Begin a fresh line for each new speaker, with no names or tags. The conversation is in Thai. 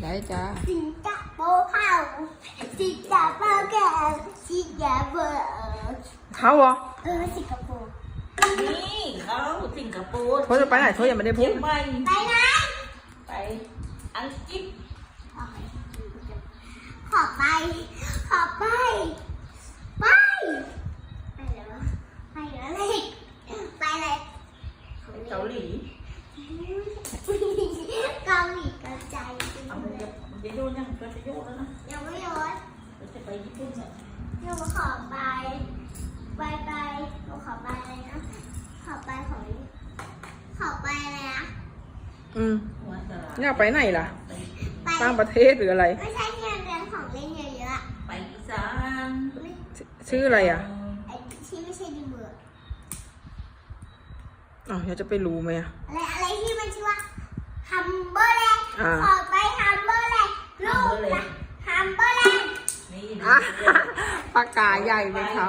ได้จ้า
สิงคโปร์เข้าสิงคโปร์แก่สิงคโปร์
เขาเหรอ
สิงคโปร์
นี่เขาสิงคโปร์
โทษจะไปไหนโทษยังไม่ได้พู
เชีย
ด
งใหม่
ไปไหน
ไปอังกฤษ
ขอไปไปแล้วไปเลยไปเลย
เกาหลี
เกาหลีกระจาย
เอามันจะโยนยังก็จะโยนแล้วนะ
ยังไม่โยน
เราจะไปญี่ปุ่นเนี่ย
หนูขอไปหนูขอไปอะไรนะขอไปอะไรนะ
หัวตลาด
อยากไปไหนล่ะ
ไป
ต่างประเทศหรืออะไร
ไม่ใช่ที่มันเป็นของเล่นเยอะ
ไปอีสาน
ๆไม่
ชื่ออะไรอ่ะ
ไอ้ที่ไม่ใช่ดีเบอร์
อ๋ออยากจะไปรู้ไหมอ่ะ
อะไรที่มันชื่อว่าฮัมเบอร์แลนด์
อ่า
ขอไปฮัมเบอร์แลนด์ลูกนะฮัมเบอร์แลนด์
นี่
อ่ะปากกาใหญ่ไหมครับ